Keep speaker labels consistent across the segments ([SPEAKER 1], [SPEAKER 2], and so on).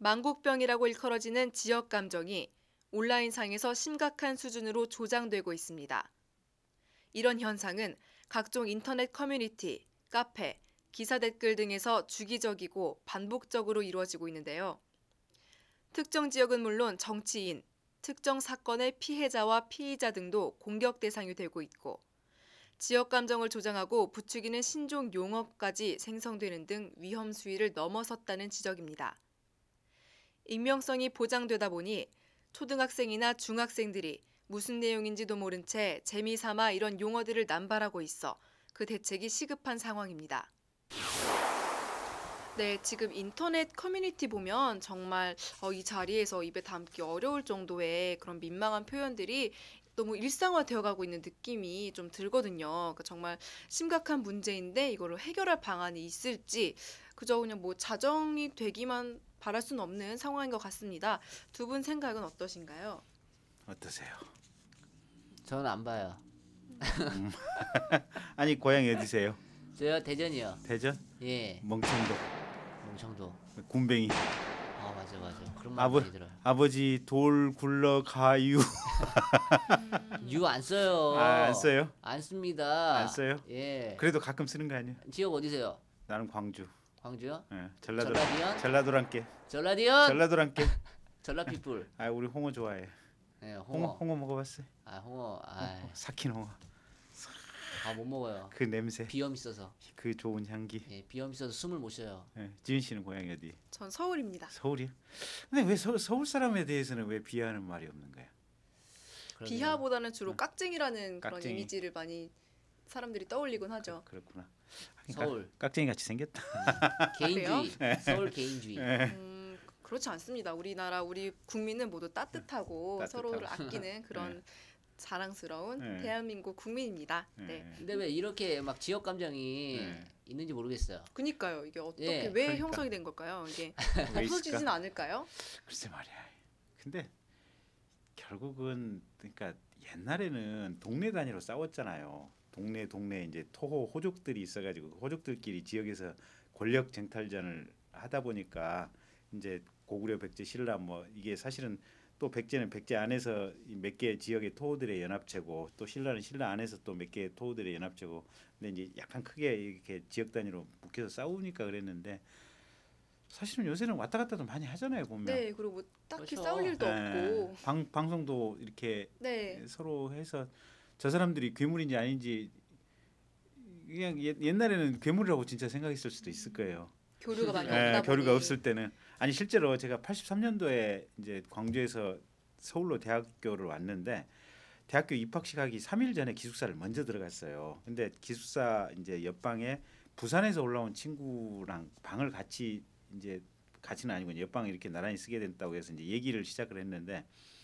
[SPEAKER 1] 만국병이라고 일컬어지는 지역 감정이 온라인상에서 심각한 수준으로 조장되고 있습니다. 이런 현상은 각종 인터넷 커뮤니티, 카페, 기사 댓글 등에서 주기적이고 반복적으로 이루어지고 있는데요. 특정 지역은 물론 정치인, 특정 사건의 피해자와 피의자 등도 공격 대상이 되고 있고 지역 감정을 조장하고 부추기는 신종 용어까지 생성되는 등 위험 수위를 넘어섰다는 지적입니다. 익명성이 보장되다 보니 초등학생이나 중학생들이 무슨 내용인지도 모른 채 재미삼아 이런 용어들을 남발하고 있어 그 대책이 시급한 상황입니다. 네, 지금 인터넷 커뮤니티 보면 정말 이 자리에서 입에 담기 어려울 정도의 그런 민망한 표현들이 너무 일상화되어 가고 있는 느낌이 좀 들거든요. 그러니까 정말 심각한 문제인데 이거를 해결할 방안이 있을지 그저 그냥 뭐 자정이 되기만 바랄 수는 없는 상황인 것 같습니다. 두 분 생각은 어떠신가요?
[SPEAKER 2] 어떠세요?
[SPEAKER 3] 저는 안 봐요.
[SPEAKER 2] 아니 고향이 어디세요?
[SPEAKER 3] 저요 대전이요.
[SPEAKER 2] 대전?
[SPEAKER 3] 예.
[SPEAKER 2] 멍청도.
[SPEAKER 3] 멍청도.
[SPEAKER 2] 군뱅이.
[SPEAKER 3] 아 맞아. 그런 말 많이 들어요.
[SPEAKER 2] 아버지 돌 굴러 가유.
[SPEAKER 3] 유 안 써요.
[SPEAKER 2] 안 써요?
[SPEAKER 3] 안 씁니다.
[SPEAKER 2] 안 써요?
[SPEAKER 3] 예.
[SPEAKER 2] 그래도 가끔 쓰는 거 아니야?
[SPEAKER 3] 지역 어디세요?
[SPEAKER 2] 나는 광주.
[SPEAKER 3] 광주요?
[SPEAKER 2] 예,
[SPEAKER 3] 전라디언?
[SPEAKER 2] 전라도랑께.
[SPEAKER 3] 전라디언?
[SPEAKER 2] 전라도랑께.
[SPEAKER 3] 전라피플.
[SPEAKER 2] 아 우리 홍어 좋아해.
[SPEAKER 3] 예, 홍어.
[SPEAKER 2] 홍어 먹어봤어요?
[SPEAKER 3] 아 홍어. 아,
[SPEAKER 2] 삭힌 홍어.
[SPEAKER 3] 못 먹어요.
[SPEAKER 2] 그 냄새.
[SPEAKER 3] 비염 있어서.
[SPEAKER 2] 그 좋은 향기.
[SPEAKER 3] 예, 비염 있어서 숨을 못 쉬어요.
[SPEAKER 2] 예, 지은 씨는 고향이 어디?
[SPEAKER 1] 전 서울입니다.
[SPEAKER 2] 서울이요? 근데 왜 서울 사람에 대해서는 왜 비하하는 말이 없는 거야?
[SPEAKER 3] 그러네요.
[SPEAKER 1] 비하보다는 주로 깍쟁이라는 그런
[SPEAKER 2] 깍쟁이.
[SPEAKER 1] 이미지를 많이 사람들이 떠올리곤 하죠.
[SPEAKER 2] 그렇구나.
[SPEAKER 3] 서울.
[SPEAKER 2] 깍쟁이 같이 생겼다.
[SPEAKER 3] 개인주의. 서울 개인주의.
[SPEAKER 1] 그렇지 않습니다. 우리 국민은 모두 따뜻하고
[SPEAKER 2] 따뜻하고.
[SPEAKER 1] 서로를 아끼는 그런 자랑스러운
[SPEAKER 2] 네.
[SPEAKER 1] 대한민국 국민입니다. 네.
[SPEAKER 3] 근데 왜 이렇게 막 지역 감정이 있는지 모르겠어요.
[SPEAKER 1] 그니까요. 이게 어떻게
[SPEAKER 3] 예,
[SPEAKER 1] 왜
[SPEAKER 2] 그러니까.
[SPEAKER 1] 형성이 된 걸까요? 이게
[SPEAKER 2] 왜
[SPEAKER 1] 없어지진
[SPEAKER 2] 있을까?
[SPEAKER 1] 않을까요?
[SPEAKER 2] 글쎄 말이야. 근데 결국은 그러니까 옛날에는 동네 단위로 싸웠잖아요. 동네 이제 토호 호족들이 있어가지고 그 호족들끼리 지역에서 권력 쟁탈전을 하다 보니까 이제 고구려, 백제, 신라 뭐 이게 사실은 또 백제는 백제 안에서 몇 개 지역의 토호들의 연합체고 또 신라는 신라 안에서 또 몇 개의 토호들의 연합체고 근데 이제 약간 크게 이렇게 지역 단위로 묶여서 싸우니까 그랬는데 사실은 요새는 왔다 갔다도 많이 하잖아요 보면.
[SPEAKER 1] 네. 그리고 뭐 딱히
[SPEAKER 3] 그렇죠.
[SPEAKER 1] 싸울 일도 없고.
[SPEAKER 2] 방송도 이렇게
[SPEAKER 1] 네.
[SPEAKER 2] 서로 해서 저 사람들이 괴물인지 아닌지 그냥 옛날에는 괴물이라고 진짜 생각했을 수도 있을 거예요.
[SPEAKER 1] 교류가 많이
[SPEAKER 2] 예,
[SPEAKER 1] 없다
[SPEAKER 2] 교류가
[SPEAKER 1] 보니.
[SPEAKER 2] 없을 때는 아니 실제로 제가 83년도에 이제 광주에서 서울로 대학교를 왔는데 대학교 입학식 하기 3일 전에 기숙사를 먼저 들어갔어요. 근데 기숙사 이제 옆방에 부산에서 올라온 친구랑 방을 같이 이제 같이는 아니고 옆방에 이렇게 나란히 쓰게 됐다고 해서 이제 얘기를 시작을 했는데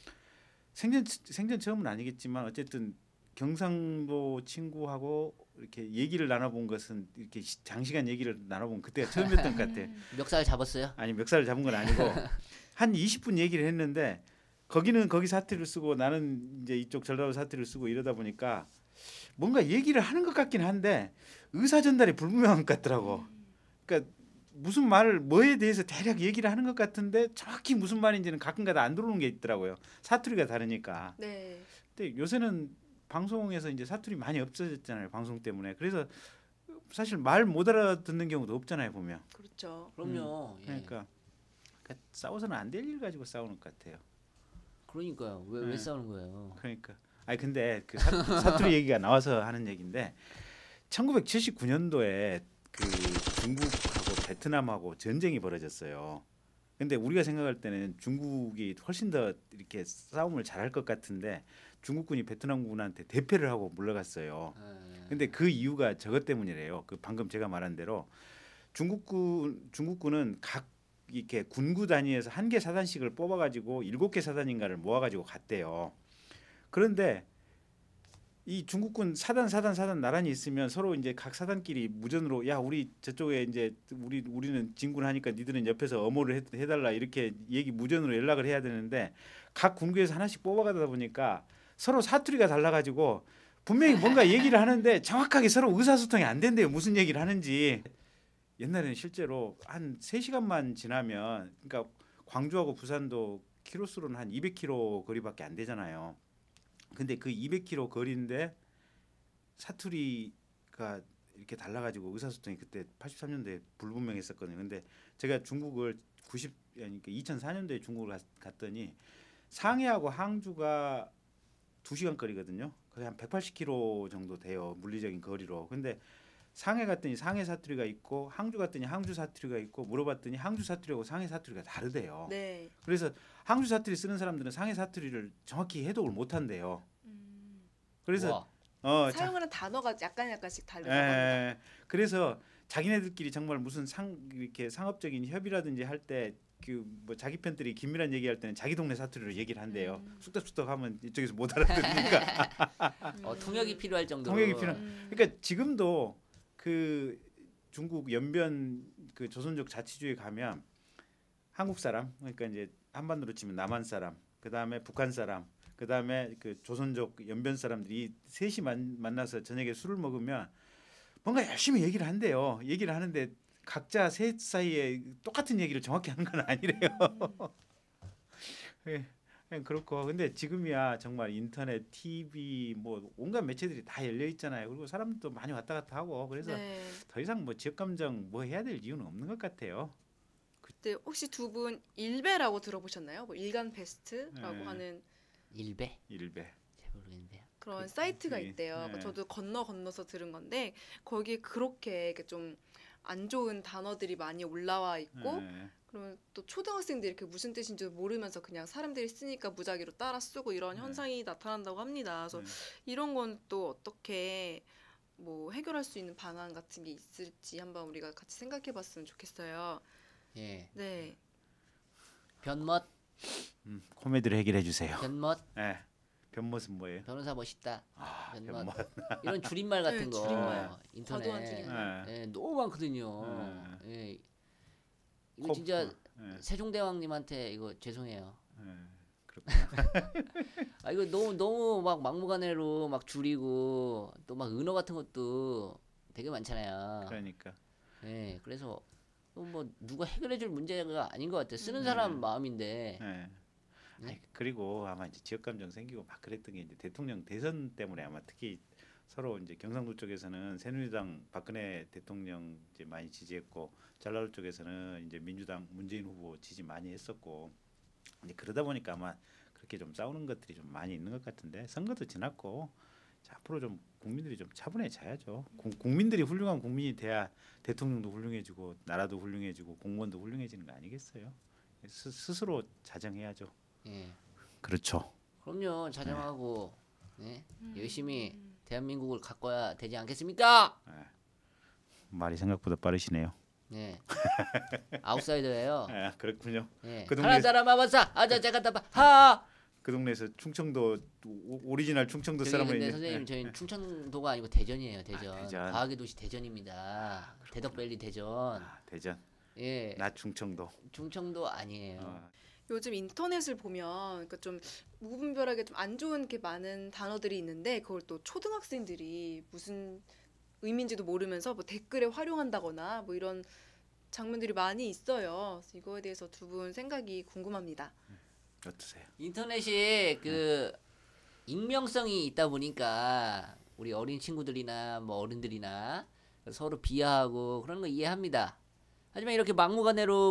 [SPEAKER 2] 생전 처음은 아니겠지만 어쨌든 경상도 친구하고 이렇게 얘기를 나눠본 것은 이렇게 장시간 얘기를 나눠본 그때가 처음이었던 것 같아.
[SPEAKER 3] 멱살 잡았어요?
[SPEAKER 2] 아니 멱살을 잡은 건 아니고 한 20분 얘기를 했는데 거기는 거기 사투리를 쓰고 나는 이제 이쪽 전라도 사투리를 쓰고 이러다 보니까 뭔가 얘기를 하는 것 같긴 한데 의사 전달이 불분명한 것 같더라고. 그러니까 무슨 말을 뭐에 대해서 대략 얘기를 하는 것 같은데 정확히 무슨 말인지는 가끔가다 안 들어오는 게 있더라고요. 사투리가 다르니까.
[SPEAKER 1] 네.
[SPEAKER 2] 근데 요새는 방송에서 이제 사투리 많이 없어졌잖아요. 방송 때문에. 그래서 사실 말 못 알아듣는 경우도 없잖아요. 보면.
[SPEAKER 1] 그렇죠.
[SPEAKER 3] 그럼요. 예.
[SPEAKER 2] 그러니까 싸워서는 안 될 일 가지고 싸우는 것 같아요.
[SPEAKER 3] 그러니까요. 왜 싸우는 거예요?
[SPEAKER 2] 그러니까. 아니 근데 그 사투리 얘기가 나와서 하는 얘기인데 1979년도에 그 중국하고 베트남하고 전쟁이 벌어졌어요. 근데 우리가 생각할 때는 중국이 훨씬 더 이렇게 싸움을 잘할 것 같은데 중국군이 베트남군한테 대패를 하고 물러갔어요. 근데 그 이유가 저것 때문이래요. 그 방금 제가 말한 대로 중국군은 각 이렇게 군구 단위에서 한 개 사단씩을 뽑아가지고 7개 사단인가를 모아가지고 갔대요. 그런데 이 중국군 사단 나란히 있으면 서로 이제 각 사단끼리 무전으로 야 우리 저쪽에 이제 우리는 진군하니까 니들은 옆에서 엄호를 해달라 이렇게 얘기 무전으로 연락을 해야 되는데 각 군구에서 하나씩 뽑아가다 보니까 서로 사투리가 달라가지고 분명히 뭔가 얘기를 하는데 정확하게 서로 의사소통이 안 된대요. 무슨 얘기를 하는지. 옛날에는 실제로 한 3시간만 지나면 그러니까 광주하고 부산도 키로수로는 한 200km 거리밖에 안 되잖아요. 근데 그 200km 거리인데 사투리가 이렇게 달라가지고 의사소통이 그때 83년도에 불분명했었거든요. 근데 제가 중국을 2004년도에 중국을 갔더니 상해하고 항주가 2시간 거리거든요. 거의 한 180km 정도 돼요. 물리적인 거리로. 근데 상해 갔더니 상해 사투리가 있고 항주 갔더니 항주 사투리가 있고 물어봤더니 항주 사투리하고 상해 사투리가 다르대요.
[SPEAKER 1] 네.
[SPEAKER 2] 그래서 항주 사투리 쓰는 사람들은 상해 사투리를 정확히 해독을 못 한대요. 그래서
[SPEAKER 1] 사용하는 단어가 약간씩 다르다고
[SPEAKER 2] 예,
[SPEAKER 1] 합니다.
[SPEAKER 2] 그래서 자기네들끼리 정말 무슨 이렇게 상업적인 협의라든지 할 때 그 뭐 자기 편들이 긴밀한 얘기할 때는 자기 동네 사투리로 얘기를 한대요. 쑥덕쑥덕 하면 이쪽에서 못 알아들으니까.
[SPEAKER 3] 통역이 필요할 정도로.
[SPEAKER 2] 통역이 필요한. 그러니까 지금도 그 중국 연변 그 조선족 자치주에 가면 한국 사람, 그러니까 이제 한반도로 치면 남한 사람, 그 다음에 북한 사람, 그 다음에 그 조선족 연변 사람들이 셋이 만나서 저녁에 술을 먹으면 뭔가 열심히 얘기를 한대요. 얘기를 하는데 각자 셋 사이에 똑같은 얘기를 정확히 하는 건 아니래요. 예, 그렇고 근데 지금이야 정말 인터넷, TV 뭐 온갖 매체들이 다 열려 있잖아요. 그리고 사람도 많이 왔다 갔다 하고 그래서
[SPEAKER 1] 네.
[SPEAKER 2] 더 이상 뭐 지역 감정 뭐 해야 될 이유는 없는 것 같아요.
[SPEAKER 1] 그때 혹시 두 분 일베라고 들어보셨나요? 뭐 일간 베스트라고
[SPEAKER 2] 네.
[SPEAKER 1] 하는
[SPEAKER 3] 일배?
[SPEAKER 2] 일배.
[SPEAKER 3] 잘 모르겠는데요.
[SPEAKER 1] 그런 사이트가
[SPEAKER 2] 그,
[SPEAKER 1] 있대요.
[SPEAKER 2] 네.
[SPEAKER 1] 저도 건너서 들은 건데 거기에 그렇게 좀 안 좋은 단어들이 많이 올라와 있고
[SPEAKER 2] 예.
[SPEAKER 1] 그러면 또 초등학생들이 그게 무슨 뜻인지 모르면서 그냥 사람들이 쓰니까 무작위로 따라 쓰고 이런
[SPEAKER 2] 네.
[SPEAKER 1] 현상이 나타난다고 합니다. 그래서
[SPEAKER 2] 네.
[SPEAKER 1] 이런 건 또 어떻게 뭐 해결할 수 있는 방안 같은 게 있을지 한번 우리가 같이 생각해 봤으면 좋겠어요.
[SPEAKER 3] 예.
[SPEAKER 1] 네.
[SPEAKER 3] 변멋,
[SPEAKER 2] 코미디를 해결해 주세요.
[SPEAKER 3] 변멋,
[SPEAKER 2] 예. 변모습 뭐예요?
[SPEAKER 3] 변호사 멋있다.
[SPEAKER 2] 아,
[SPEAKER 3] 변멋.
[SPEAKER 2] 변모.
[SPEAKER 3] 이런 줄임말 같은
[SPEAKER 1] 네,
[SPEAKER 3] 거
[SPEAKER 1] 줄임말.
[SPEAKER 3] 인터넷
[SPEAKER 1] 과도한 줄임말.
[SPEAKER 3] 예, 너무 많거든요. 예. 이거
[SPEAKER 2] 코-
[SPEAKER 3] 진짜
[SPEAKER 2] 예.
[SPEAKER 3] 세종대왕님한테 이거 죄송해요.
[SPEAKER 2] 예. 그렇구나.
[SPEAKER 3] 아 이거 너무 막 막무가내로 막 줄이고 또 막 은어 같은 것도 되게 많잖아요.
[SPEAKER 2] 그러니까.
[SPEAKER 3] 예, 그래서 뭐 누가 해결해줄 문제가 아닌 것 같아요. 쓰는 사람 마음인데.
[SPEAKER 2] 예.
[SPEAKER 3] 네?
[SPEAKER 2] 아니, 그리고 아마 이제 지역 감정 생기고 막 그랬던 게 이제 대통령 대선 때문에 아마 특히 서로 이제 경상도 쪽에서는 새누리당 박근혜 대통령 이제 많이 지지했고 전라도 쪽에서는 이제 민주당 문재인 후보 지지 많이 했었고 이제 그러다 보니까 아마 그렇게 좀 싸우는 것들이 좀 많이 있는 것 같은데 선거도 지났고 자, 앞으로 좀 국민들이 좀 차분해져야죠. 국민들이 훌륭한 국민이 돼야 대통령도 훌륭해지고 나라도 훌륭해지고 공무원도 훌륭해지는 거 아니겠어요? 스스로 자정해야죠.
[SPEAKER 3] 예.
[SPEAKER 2] 그렇죠.
[SPEAKER 3] 그럼요. 자정하고 예? 열심히 대한민국을 가꿔야 되지 않겠습니까?
[SPEAKER 2] 말이 생각보다 빠르시네요.
[SPEAKER 3] 예. 아웃사이더예요.
[SPEAKER 2] 아, 그렇군요.
[SPEAKER 3] 예.
[SPEAKER 2] 그 동네-
[SPEAKER 3] 가나다라 마바사 아자 자가다바 하.
[SPEAKER 2] 그 동네에서 충청도 오리지널 충청도
[SPEAKER 3] 저기
[SPEAKER 2] 사람을
[SPEAKER 3] 근데
[SPEAKER 2] 이제-
[SPEAKER 3] 선생님 저희는 충청도가 아니고 대전이에요. 대전.
[SPEAKER 2] 대전.
[SPEAKER 3] 과학의 도시 대전입니다. 대덕밸리 대전.
[SPEAKER 2] 대전.
[SPEAKER 3] 예.
[SPEAKER 2] 나 충청도.
[SPEAKER 3] 충청도 아니에요.
[SPEAKER 1] 요즘 인터넷을 보면 그러니까 좀 무분별하게 좀 안 좋은 게 많은 단어들이 있는데 그걸 또 초등학생들이 무슨 의미인지도 모르면서 뭐 댓글에 활용한다거나 뭐 이런 장면들이 많이 있어요. 그래서 이거에 대해서 두 분 생각이 궁금합니다.
[SPEAKER 2] 어떠세요?
[SPEAKER 3] 인터넷이 그 익명성이 있다 보니까 우리 어린 친구들이나 뭐 어른들이나 서로 비하하고 그런 거 이해합니다. 하지만 이렇게 막무가내로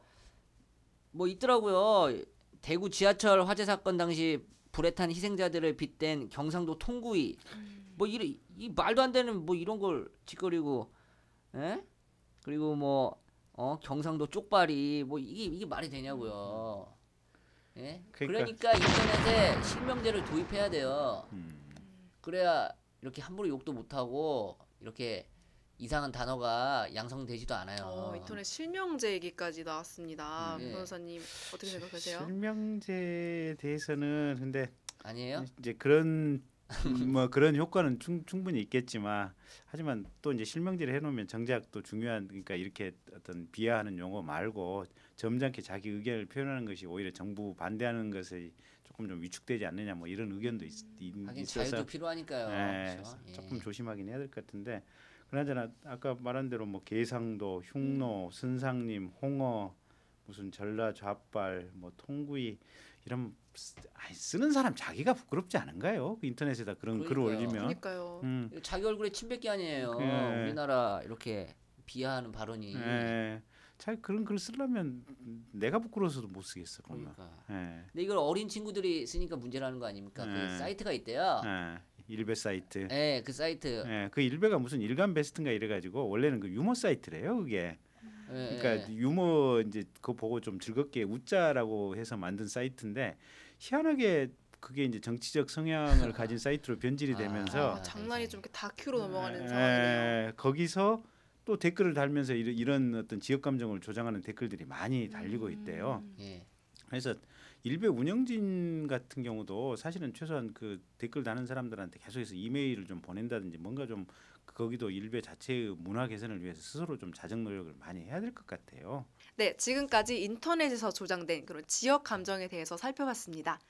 [SPEAKER 3] 뭐 있더라고요. 대구 지하철 화재 사건 당시 불에 탄 희생자들을 빗댄 경상도 통구이 뭐 이 말도 안 되는 뭐 이런 걸 짓거리고 예? 그리고 경상도 쪽발이 뭐 이게 말이 되냐고요. 예?
[SPEAKER 2] 그러니까-
[SPEAKER 3] 그러니까 인터넷에 실명제를 도입해야 돼요.
[SPEAKER 2] 음.
[SPEAKER 3] 그래야 이렇게 함부로 욕도 못 하고 이렇게 이상한 단어가 양성되지도 않아요.
[SPEAKER 1] 인터넷 실명제 얘기까지 나왔습니다.
[SPEAKER 3] 예.
[SPEAKER 1] 변호사님 어떻게 생각하세요?
[SPEAKER 2] 실명제에 대해서는 근데
[SPEAKER 3] 아니에요?
[SPEAKER 2] 이제 그런 뭐 그런 효과는 충분히 있겠지만 하지만 또 이제 실명제를 해놓으면 정작 또 중요한 그러니까 이렇게 어떤 비하하는 용어 말고 점잖게 자기 의견을 표현하는 것이 오히려 정부 반대하는 것이 조금 좀 위축되지 않느냐 뭐 이런 의견도
[SPEAKER 3] 하긴
[SPEAKER 2] 있어서
[SPEAKER 3] 자유도 필요하니까요.
[SPEAKER 2] 예,
[SPEAKER 3] 그렇죠? 예.
[SPEAKER 2] 조금 조심하긴 해야 될 것 같은데 그나저나 아까 말한 대로 뭐 계상도, 흉노, 선상님, 홍어 무슨 전라좌빨 뭐 통구이 이런 쓰는 사람 자기가 부끄럽지 않은가요? 그 인터넷에다 그런 글을
[SPEAKER 3] 그러니까요.
[SPEAKER 2] 올리면.
[SPEAKER 1] 그러니까요.
[SPEAKER 3] 이거 자기 얼굴에 침 뱉기 아니에요.
[SPEAKER 2] 예.
[SPEAKER 3] 우리나라 이렇게 비하하는 발언이.
[SPEAKER 2] 예. 자기 그런 글 쓰려면 내가 부끄러워서도 못 쓰겠어. 그러면.
[SPEAKER 3] 그러니까.
[SPEAKER 2] 예.
[SPEAKER 3] 근데 이걸 어린 친구들이 쓰니까 문제라는 거 아닙니까? 그 사이트가 있대요.
[SPEAKER 2] 예. 일베 사이트.
[SPEAKER 3] 예, 그 사이트.
[SPEAKER 2] 예. 그 일베가 무슨 일간 베스트인가 이래가지고 원래는 그 유머 사이트래요. 그게.
[SPEAKER 3] 예,
[SPEAKER 2] 그러니까
[SPEAKER 3] 예.
[SPEAKER 2] 유머 이제 그거 보고 좀 즐겁게 웃자라고 해서 만든 사이트인데 희한하게 그게 이제 정치적 성향을 가진 사이트로 변질이 되면서
[SPEAKER 1] 장난이 좀 이렇게 다큐로 넘어가는
[SPEAKER 2] 에,
[SPEAKER 1] 상황이네요.
[SPEAKER 2] 거기서 또 댓글을 달면서 이런 어떤 지역 감정을 조장하는 댓글들이 많이 달리고 있대요.
[SPEAKER 3] 예.
[SPEAKER 2] 그래서 일베 운영진 같은 경우도 사실은 최소한 그 댓글 다는 사람들한테 계속해서 이메일을 좀 보낸다든지 뭔가 좀 거기도 일베 자체의 문화 개선을 위해서 스스로 좀 자정 노력을 많이 해야 될 것 같아요.
[SPEAKER 1] 네, 지금까지 인터넷에서 조장된 그런 지역 감정에 대해서 살펴봤습니다.